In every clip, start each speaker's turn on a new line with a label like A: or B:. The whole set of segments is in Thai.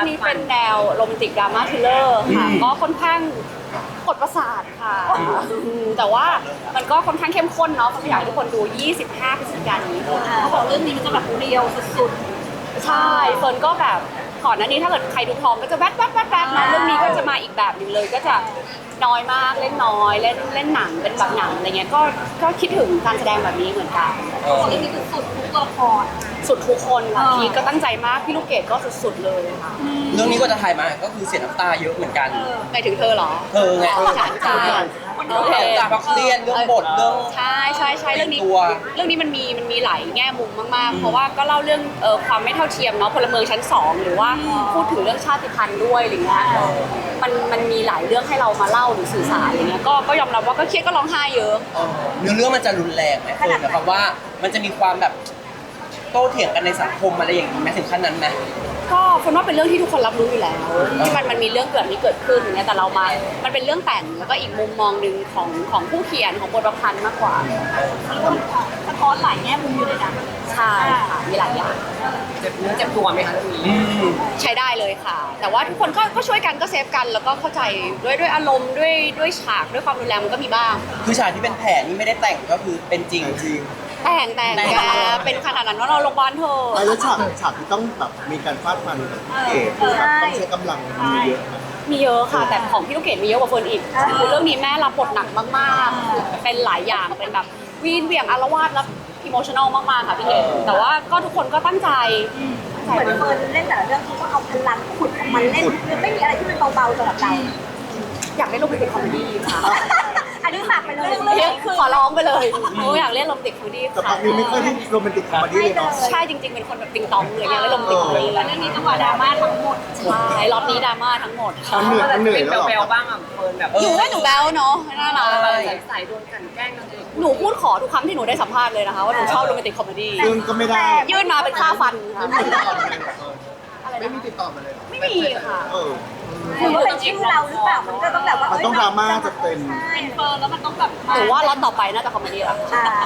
A: รื่องนี้เป็นแนวโรแมนติกดราม่าทริลเลอร์ค่ะก็ค่อนข้างกดประสาทค่ะแต่ว่ามันก็ค่อนข้างเข้มข้นเนาะผมอยากให้ทุกคนดู 25 พฤศจิกายนนี้
B: เขาบอกเรื่องนี้มันจะแบบเรียวสุด
A: ใช่เฟิร์นก็แบบก่อนหน้านี้ถ้าเกิดใครดูพร้อมก็จะแว๊บนะเรื่องนี้ก็จะมาอีกแบบหนึงเลยก็จะน้อยมากเล่นน้อยเล่นหนังเป็นแบบหนังอะไรเงี้ยก็คิดถึงการแสดงแบบนี้เหมือนกัน
B: ๆเขาบอกเรื่องนี้คือสุดทุกละคร
A: สุดทุกคนค่ะพีก็ตั้งใจมากพี่ลูกเกดก็สุดๆเลยค่ะ
C: เรื่องนี้ก็จะถ่ายมาก็คือเสียน้ำตาเยอะเหมือนกัน
A: หมายถึงเธอเหรอ
C: เธอไง
A: ใช่ใช่โอเค
C: จากพักเรียนเรื่องบทเรื่อง
A: ใช่เรื่องนี้
C: ตัว
A: มันมีหลายแง่มุมมากๆเพราะว่าก็เล่าเรื่องความไม่เท่าเทียมเนาะพลเมืองชั้น2หรือว่าพูดถึงเรื่องชาติพันธุ์ด้วยอะไรเงี้ยมันมีหลายเรื่องให้เรามาเล่าหรือสื่อสารอะไรเงี้ยก็ยอมรับว่าก็เครียดก็ร้องไห้เยอะ
C: เนื้อเรื่องมันจะรุนแรงไหมคือหมายความว่ามันจะมีความแบบโต้เถียงกันในสังคมอะไรอย่างนี้ไหมถึงขั้นนั้นไหม
A: ก็คนว่าเป็นเรื่องที่ทุกคนรับรู้อยู่แล้วที่มันมีเรื่องแบบนี้เกิดขึ้นอย่างเงี้ยแต่เรามามันเป็นเรื่องแต่งแล้วก็อีกมุมมองหนึ่งของผู้เขียนของบทประพันธ์มากกว่า
B: สะท้อนหลายแง่มุมอยู่เลยนะ
A: ใช่ค่ะมีหลายอย่าง
D: เจ็บเนื้อเจ็บตัวไหมคะเรื่องนี้
A: ใช้ได้เลยค่ะ แต่ว่าทุกคนก็ช่วยกันก็เซฟกันแล้วก็เข้าใจด้วยอารมณ์ด้วยฉากด้วยความรุนแรงมันก็มีบ้าง
C: คือฉากที่เป็นแผลนี่ไม่ได้แต่งก็คือเป็นจริง
A: แต่งแกเป็นขนาดนั้นว่าเราโรงพยาบาลเธอ
E: แล้วฉากที่ต้องแบบมีการฟาดฟันกับเอกแบบต้องใช้กำลังมีเยอะนะ
A: มีเยอะค่ะแต่ของพี่ลูกเกดมีเยอะกว่าเฟิร์นอีกคือเรื่องนี้แม่รับบทหนักมากๆเป็นหลายอย่างเป็นแบบวีนเหวี่ยงอารวาสแล้วอิโมชั่นอลมากๆค่ะพี่เกดแต่ว่าก็ทุกคนก็ตั้งใจ
B: เหมือนเฟิร์นเล่นแต่ละเรื่องเขาก็เอาพลังขุดของมันเล่นคือไม่มีอะไรที่มันเบาๆสำหรับเรา
A: อยากเล่นโรแมนติกคอมเมดี้ค่ะ
B: อันนี้ฝากไปเลย
A: ขอร้องไปเลยหนูอยากเล่นโรแมนติกคอมเมดี้
E: แต่พั
A: ค่ะ
E: กนี้ไม่ค่อยได้โรแมนติกคอมเมดี้เลยเนาะ
A: ใช่จริงๆเป็นคนแบบติงตองเลยอยากเล่นโรแมนติกคอมเมดี้
B: แล้วเรื่องนี้จังหวะดราม่าทั้งหมด
A: ใช่รอบนี้ดราม่าทั้งหมดค่ะ
E: มันเหนื่อย
D: เป็น
E: แล้ว
D: แบ
E: หรอ
D: วๆบ้างอ่ะเฟิร์นแบบ
A: หนูว่าหนูแบ๊วเนาะน่ารัก
D: ใส่โดนกลั่นแกล้งนางเอก
A: หนูพูดขอทุกครั้งที่หนูได้สัมภาษณ์เลยนะคะว่าหนูชอบโรแมนติกคอมเมดี้
E: ซึ่งก็ไม่ได้
A: ยื่นมาเป็นค่าฟันค่ะ
E: ไม่มีติดต่อมาเลยเหรอ
A: ไม่มีค่ะ
E: เออ
B: คือว่าเป็นชื่อเราหรือเปล่ามันก็ต้องแบบว่า
E: มันต้องดราม่าจะเป็น
B: เป็นเฟิร์นแล้วมันต้องแบบ
A: หนูว่าล็อตต่อไปน่าจะคอมเมดี้ละ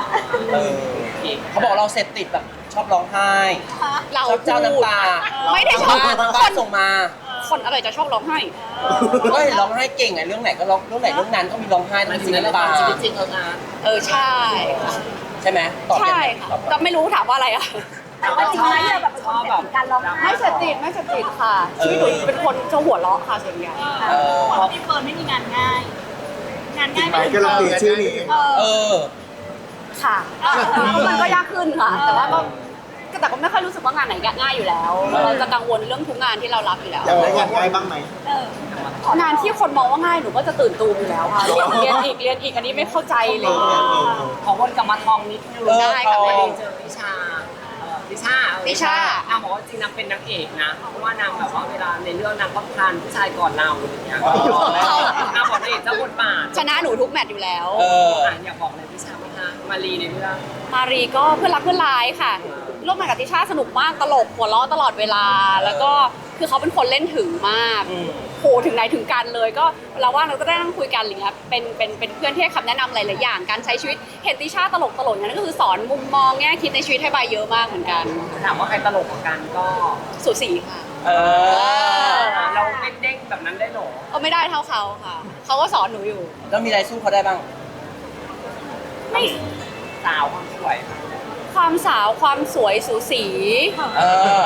C: เขาบอกเราเสพติดแบบชอบร้องไห้
A: เรา
C: ชอบเจ้าน้ำตา
A: ไม่ได้ชอบ
C: ทาง
A: ค
C: บ้าน
A: น
C: ส่งมา
A: คนอะไรจะชอบร้องไห้
C: ก็เห็นร้องไห้เก่งไงเรื่องไหนก็ร้องเรื่องไหนเรื่องนั้นก็มีร้องไห้
D: มัน
C: ทั้ง
D: อยู่
C: สี
D: ในละค
C: น้ำตาร
D: ชีวิตจริงนะ
A: ใช่ค่ะ
C: ใช่ไหมตอบยัง
A: ใช่
C: ไง
A: ค่ะ
C: ตอบ
A: ก็ไม่รู้ถามว่าอะไรอะ
B: แต่ว่าจริงๆแล้วเนี่ยแบบเป็นคนแบบการร้องไห้
A: ไม่เสพติดค่ะชีวิตหนูเป็นคนจะหัวเราะค่ะส่วนใหญ่
B: เพราะพี่เฟิร์นไม่มีงานง่าย งานง่าย
E: หมายก็เราตีชื่อนี้
C: เออ
A: ค่ะมันก็ยากขึ้นค่ะ แต่ว่าก็ไม่ค่อยรู้สึกว่างานไหนง่ายอยู่แล้ว เราจะกังวลเรื่องทุกงานที่เรารับอยู่แล้ว
E: อยากได้งานง่ายบ้างไหม
A: งานที่คนมองว่าง่ายหนูก็จะตื่นตูมอยู่แล้วค่ะเรียนอีกอันนี้ไม่เข้าใจเลย
D: ขอวนกลับมาทองนิดนึง
A: ได้ค่ะ
D: พอดีเจอติชาติชา
A: ติช่า
D: นางบอกว่าจริงนางเป็นนางเอกนะ เพราะว่านางแบบว่าเวลาในเรื่องนางก็ทานผู้ชายก่อนเราอย่างเงี้ยนางบอกนางเอกเจ้าบทบาท
A: ชนะหนูทุกแมตช์อยู่แล้ว
D: อยากบอกเลยติชาไหมคะมารีในเรื่อง
A: มารีก็เพื่อนรักเพื่อนร้ายค่ะร่วมงานกับติช่าสนุกมากตลกหัวเราะตลอดเวลา แล้วก็คือเขาเป็นคนเล่นถึงมากโหถึงไหนถึงกันเลยก็เราว่าเราก็ได้นั่งคุยกันอะไรเงี้ยเป็นเพื่อนที่ให้คำแนะนำหลายๆอย่างการใช้ชีวิตเห็นติช่าตลกนั่นก็คือสอนมุมมองแง่คิดในชีวิตให้ใบเยอะมากเหมือนกัน
D: ถามว่าใครตลกกว่ากันก็
A: สูสีค่ะ
D: เราเป็นเด้งแบบนั้นได้หรอ
A: ก็ไม่ได้เท่าเขาค่ะเขาก็สอนหนูอยู่
C: แล้วมีอะไรสู้เขาได้บ้าง
A: ไม่
D: สาวความสวย
A: ความสาวความสวยสูสี
C: เออ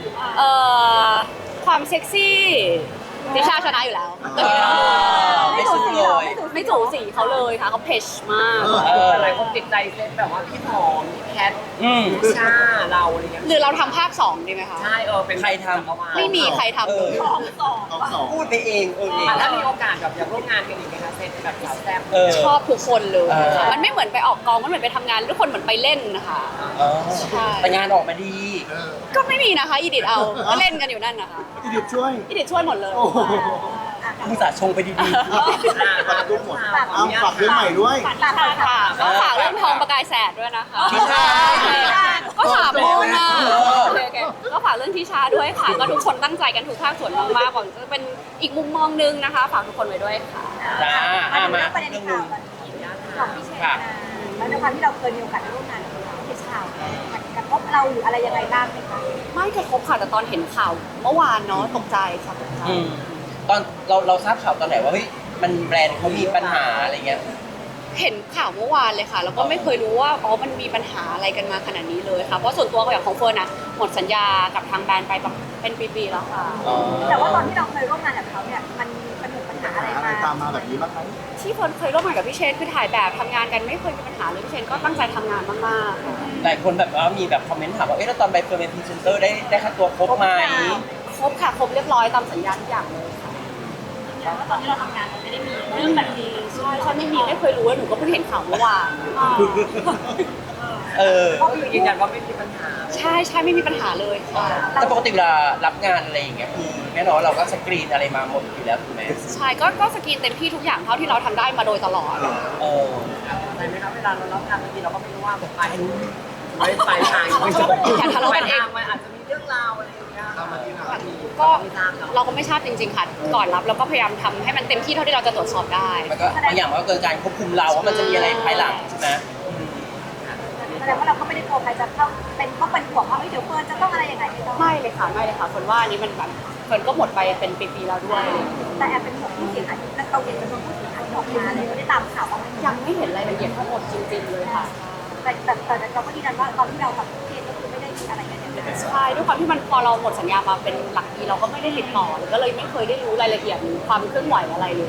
A: ความเซ็กซี่ติช่าชนะอยู่แล้ว
C: ไม่สู้เลย
A: ไม่สูสีเขาเลยค่ะเขาเพชมาก
D: หลายคนติดใจเซตแบบว่าพี่หอมพี่แพท
C: อืม
D: พี่ชาเราอะไรเงี้ย
A: หรือเราทำภาค2ดีไหมคะ
D: ใช่เป็น
C: ใครทำ
D: จักรวาล
A: ไม่มีใครทำเลย
E: เอาสอง
C: พูดไปเองเออ
D: ถ้ามีโอกาสแบบอยากร่วมงานกันอีกไหมคะเซตแบบสาวแซ่บ
A: ชอบทุกคนเลย
C: เออ
A: มันไม่เหมือนไปออกกองมันเหมือนไปทำงานทุกคนเหมือนไปเล่นนะคะ ใช่
C: แต่งานออกมาดี
A: ก็ไม่มีนะคะอีดิทเอาก็เล่นกันอยู่นั่นนะคะ
E: อีดิทช่วย
A: อีดิทช่วยหมดเลย
E: โอ้โห
C: มึงสาชงไปดี
E: ปัดทุกหมดเอาฝากเรื่องใหม่ด้วย
A: ค่ะก็ฝากเรื่องทองประกายแสดด้วยนะคะ
C: ทิชา
A: ก็ถามโมนะโอเคก็ฝากเรื่องทิชาด้วยค่ะ ก็ทุกคนตั้งใจกันทุกภาคส่วนมากๆหวังจะเป็นอีกมุมมองนึงนะคะ ฝากทุกคนไว้ด้วยค่ะ
C: จ้ามา
B: ประเด็น
C: เรื่อง
B: ข่า
C: นึ
B: ว
C: ง
B: ของพี่เชนแล้วในความที่เราเคยมีโอกาสได้ร่วมงานกับพี่เชนกับกระทบอะไรเราหรืออะไรยังไงบ้างไหมคะ
A: ไม่กระทบค่ะแต่ตอนเห็นข่าวเมื่อวานเนาะตกใจค่ะตกใจ
C: ตอนเราทราบข่าวตอนไหนว่าเฮ้ยมันแบรนด์เขามีปัญหาอะไรเงี้ย
A: เห็นข่าวเมื่อวานเลยค่ะ แล้วก็ไม่เคยรู้ว่าอ๋อมันมีปัญหาอะไรกันมาขนาดนี้เลยค่ะเพราะส่วนตัวอย่างของเฟิร์นอะหมดสัญญากับทางแบรนด์ไปเป็นปีๆแล้วค่ะ
B: แต่ว่าตอนที่เราเคยร่วมงานกับเขาเนี่ยมันมีปัญหาอะไร
E: อะไร
B: มา
E: ตามมาแบบนี้บ้างไหม
A: ที่เฟิร์นเคยร่วมงานกับพี่เชนคือถ่ายแบบทำงานกันไม่เคยมีปัญหาเลยพี่เชนก็ตั้งใจทำงานมากๆค่ะ
C: หลายคนแบบว่ามีแบบคอมเมนต์ถามว่าเอ๊ะแล้วตอนใบเฟิร์นเป็นพรีเซนเตอร์ได้ค่าตัวครบไหม
A: ครบค่ะครบเรียบร้อยตามสัญญาทุกอย่างเลยค่ะ
B: ว่าตอนที่เราทำงานมันไม่ได้มีเรื่องแบบนี้
A: ใช่ใช่ไม่เคยรู้ว่าหนูก็เพิ่งเห็นข่าวเมื่อวาน
D: ก็คือยืนยันว่าไม่มีปัญหา
A: ใช่ใช่ไม่มีปัญหาเลยค่ะ
C: แต่ปกติเวลารับงานอะไรอย่างเงี้ยคือแน่นอนเราก็สกรีนอะไรมาหมดอยู่แล้วถูกไหม
A: ใช่ก็สกรีนเต็มที่ทุกอย่างเท่าที่เราทำได้มาโดยตลอด
C: เออ
D: อะไรไหมคะเวลาเรารับงานบางทีเราก็ไม่รู้ว่าแบบไปทาง
A: อย่าทะเลาะกันเอง
D: มันอาจจะมีเรื่องราวอะไรอย่างเงี้ย
A: ก็เราก็ไม่ทราบจริงๆค่ะก่อนรับเราก็พยายามทำให้มันเต็มที่เท่าที่เราจะตรวจสอบได้
C: มันก็บางอย่างมันก็เกินการควบคุมเราว่ามันจะมีอะไรภายหลังใช่ไหม
B: แสดงว่าเราก็ไม่ได้กลัวใครจะต้องเป็นห่วงว่าเดี๋ยวเฟิร์นจะต้องอะไรยังไงไม่ต้อง
A: ไม่เลยค่ะไม่เลยค่ะคนว่าอันนี้มันแบบคนก็หมดไปเป็นปีๆแล้วด้วย
B: แต่แอบเป็นห่วงผู้เสียหายเราเห็นจำนวนผู้เสียหายที่ออกมาเลยเราได้ตามข่าวบ้างไหม
A: ยังไม่เห็นรายละเอียดทั้งหมดจริงๆเลยค่ะ
B: แต่เราก็ยืนยันว่าตอนที่เราทำเคสก็คือไม่ได้มีอะไรกันอย่างเงี้ย
A: ใช่ด้วยความที่มันพอเราหมดสัญญามาเป็นหลักปีเราก็ไม่ได้ติดต่อเลยก็เลยไม่เคยได้รู้รายละเอียดหรือความเคลื่อนไหวอะไรเลย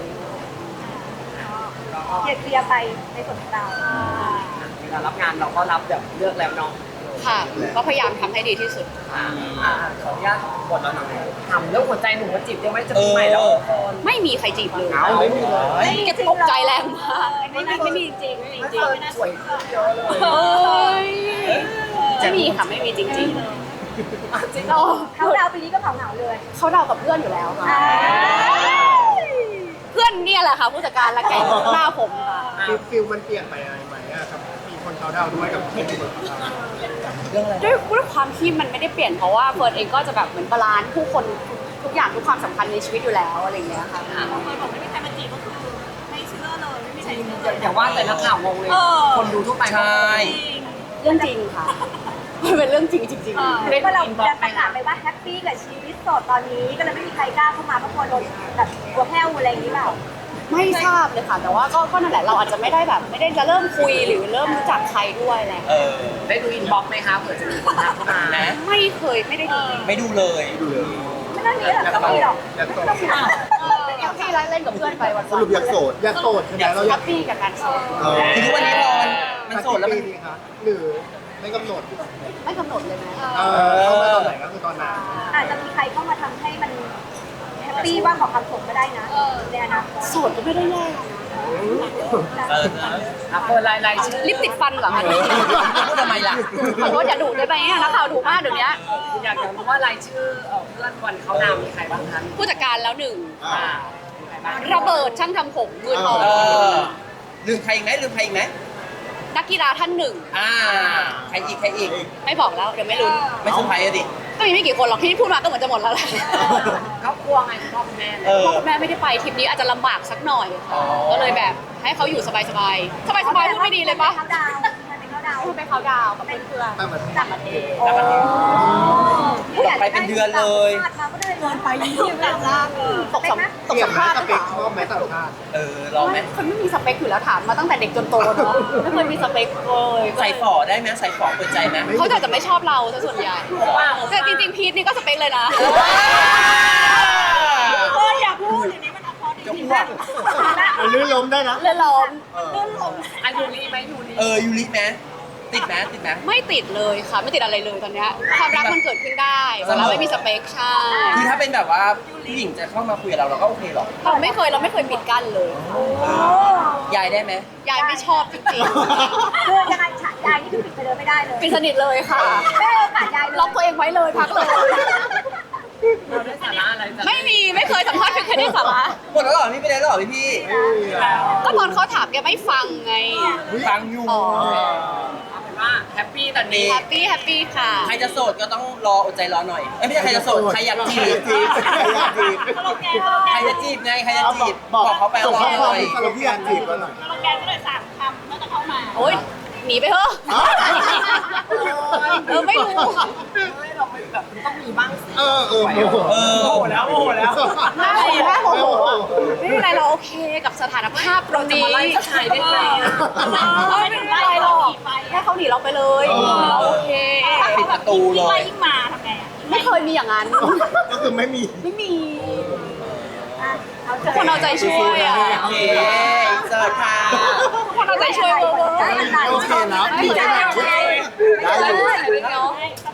B: เคลียร์ไปในส่วนของเรา
D: เวลารับงานเราก็รับแบบเลือกแล้วเนาะ
A: ค่ะ ก็พยายามทำให้ดีที่สุด
D: ขออนุญาตหมดแล้วนะทำเรื่องหัวใจหนูมาจีบได้ไหมจะปีใหม่แล้วคน
A: ไม่มีใครจีบเลย
D: ไม่มีเลย
A: แกตกใจแรงมากไม่มีจริงไม่มีจริง
D: สวยขึ้นเยอะเลย
A: เฮ้ยไม่มีค่ะไม่มีจริงๆ
D: จริง
A: เรา
B: เขาดาวปีนี้ก็เหงาเลย
A: เขาเดากับเพื่อนอยู่แล้วค่ะเพื่อนเนี่ยแหละค่ะผู้จัดการและแกอยู่ข้างหน้าผมค่ะ
E: ฟิลมันเปลี่ยนไปอะไรไหมอะครับมีคนเขาดาวด้วยกับเพื่อนที่คนเขาดาว
C: เรื่องอะไร
A: ด้วยความที่มันไม่ได้เปลี่ยนเพราะว่าเฟิร์นเองก็จะแบบเหมือนบาลานซ์ผู้คนทุกอย่างทุกความสำคัญในชีวิตอยู่แล้วอะไรอย่างเงี้ยค่ะ
D: อย่างว่าแต่นักข่าวงงเลย คนดูทั่วไป
C: ใช่
A: เรื่องจริงค่ะมันเป็นเรื่องจริงจริงๆ
B: เรียกว่าเราจะประกาศไปว่าแฮปปี้กับชีวิตโสดตอนนี้ก็เลยไม่มีใครกล้าเข้ามาเพราะกลัวโดนแบบกลัวแห้วอะไรอย่างนี้เปล่า
A: ไม่ทราบเลยค่ะแต่ว่าก็นั่นแหละเราอาจจะไม่ได้แบบไม่ได้จะเริ่มคุยหรือเริ่มรู้จักใครด้วยอะไร
D: ได้ดูอินบ็อกซ์ไหมคะเผื่อจะมีคนทักเข้ามา
C: นะ
A: ไม่เคยไม่ได้ดู
C: ไม่ดูเลย
E: ดูเลย
B: ไม่ต้องมีหรอกต้องมีหรอก
E: อยากโสด
A: พี่ไล่เล่นกับเพื่อนไปวัน
E: สรุปอยากโสดอยากโสดใช่ไหมเราอ
A: แฮ
E: ยาก
A: ปปี้กับการโสด
C: คือทุกวันนี้พอมันโสดแล้วมัน
E: กี่ปีคะหรือไม่กำหนด
A: ไม่กำหนดเลยนะ
E: เข้ามาตอนไหนก็คือตอนนั้น
B: อาจจะมีใครเข้ามาทำให้มันแฮปปี้บ้างของความสุขก็ได้นะในอนาคต
A: โสดก็ไม่ได้แย่นะ
D: เปิดรายชื่อ
A: ลิปติดฟันเหรอคะ
C: พูดทำไมล่ะ
A: ขอโทษอย่าดุได้ไหมนักข่าวดุมากเดี๋ยวนี้
D: อยากรู้ว่ารายชื่อเพื่อนวันเขานามมีใครบ้างคะ
A: ผู้จัดการแล้วหนึ่ง
D: มีใครบ้าง
A: ระเบิดช่างทำผมมือทอง
C: ลืมใครอีกไหมลืมใครอีกไหม
A: นักกีฬาท่านหนึ่ง
C: ใครอีก
A: ไม่บอกแล้วเดี๋ยวไม่ลุ้น
C: ไม่เซอร์ไพรส์อะดิ
A: ก็มีไม่กี่คนหรอกที่พูดมาก็เหมือนจะหมดแล้วแหละ
D: ครอบครัวไงคุณพ่อคุณแม่
A: พ่อคุณแม่ไม่ได้ไปทริปนี้อาจจะลำบากสักหน่อยค่ะก็เลยแบบให้เขาอยู่สบายๆพูดไม่ดีเลยปะ
B: เขาดาวมันเป็นเขาดาว
A: พูดไปเขาดาวกับเพื่อน
E: ตั้งแต่
B: ต่างประเทศ
C: ไปเป็นเดือนเลย
B: มาก็ได้เกินไปยิ่งแบบล่าง
A: ๆตกสัม
E: เกี่ย
A: ภาว ษณ์
E: ส
A: หรือ
E: เป
A: เป
E: ค
A: ล่า
E: ชอบไหมต่างชาติ
C: ลองไหม
A: คนไม่มีสเปคอยู่แล้วถามมาตั้งแต่เด็กจนโตเนาะไม่เคยมีสเปคเลย
C: ใส่ฝ่อได้ไหมใส่ฝ่อเปิดใจไหม
A: เขาจะไม่ชอบเราซะส่วนใหญ่แต่จริงๆพีทนี่ก็สเปคเลยนะ
B: อย่าพูดอย่างนี้มันอัพพอร์ต
C: จะอ้วก
E: มันลื่นล้มได้นะ
A: เล่นล้อม
D: อายุรีไหมยูรี
C: ยูริไหมติดไหม
A: ไม่ติดเลยค่ะไม่ติดอะไรเลยตอนเนี้ยความรักมันเกิดขึ้นได้แต่เราไม่มีสเปคใช่
C: คือถ้าเป็นแบบว่าผู้หญิงจะเข้ามาคุยกับเราก็โอเคหรอก
A: เราไม่เคยปิดกั้นเลย
C: ยายได้ไหม
A: ยายไม่ชอบจริง
B: คือยังไงฉายายนี่คือปิดไปเลยไม่ได้เลย
A: ๆปิดสนิทเลยค่ะ
B: ไม่ให้โอกาสยายเลย
A: ล็อกตัวเองไว้เลยพักเลย
D: เราได้สาระอะไรจาก
A: ไม่เคยสัมภาษณ์ไม่เคยได้สาระ
C: หมดแล้วเหรอพี่ไปได้แล้วเหรอพี่
A: ก็ตอนเขาถามแกไม่ฟังไง
C: ฟังอยู่
A: อ๋อ
D: เอาเป็นว่าแฮปปี้ตอนนี้
A: แฮปปี้ค่ะ
C: ใครจะโสดก็ต้องรออดใจรอหน่อยไม่ใช่ใครจะโสดใครอยากจีบใครจะจีบไงใครจะจีบบอกเขาไป
E: ส่ง
C: รอ
E: ข้อ
C: ห
E: ความ
C: น่อย
E: สรุปพี่อยากจีบกันหน่อย
A: โอ๊ยหนีไปเถอะไม่รู้
D: ไม่เราไม่แบบมันต้องมีบ้างสิ
E: โมโห
D: โมโหแล้วโมโหแล้ว
A: โมโหไม่เป็นไรเราโอเคกับสถานภาพตรงนี้
D: มาไล่ผู้ชายได้ไงอะ
A: ไม่เป็นไรหรอกแค่เขาหนีเราไปเลยเราโอเค
C: ปิดประตูเลย
B: ยิ่งมาทำไงอ่ะ
A: ไม่เคยมีอย่างนั้น
E: ก็คือไม่มี
A: ไม่มี
B: เอา
A: ทุกคนเอาใจช่วยอ่ะ
C: โอเคเสิร์ฟค่ะ
A: ทุกคนเอาใจช่วยเวอร์
B: ได้
E: โอเคนะ
A: ไม่ได้
E: ได้อยู่
A: ไม่ได้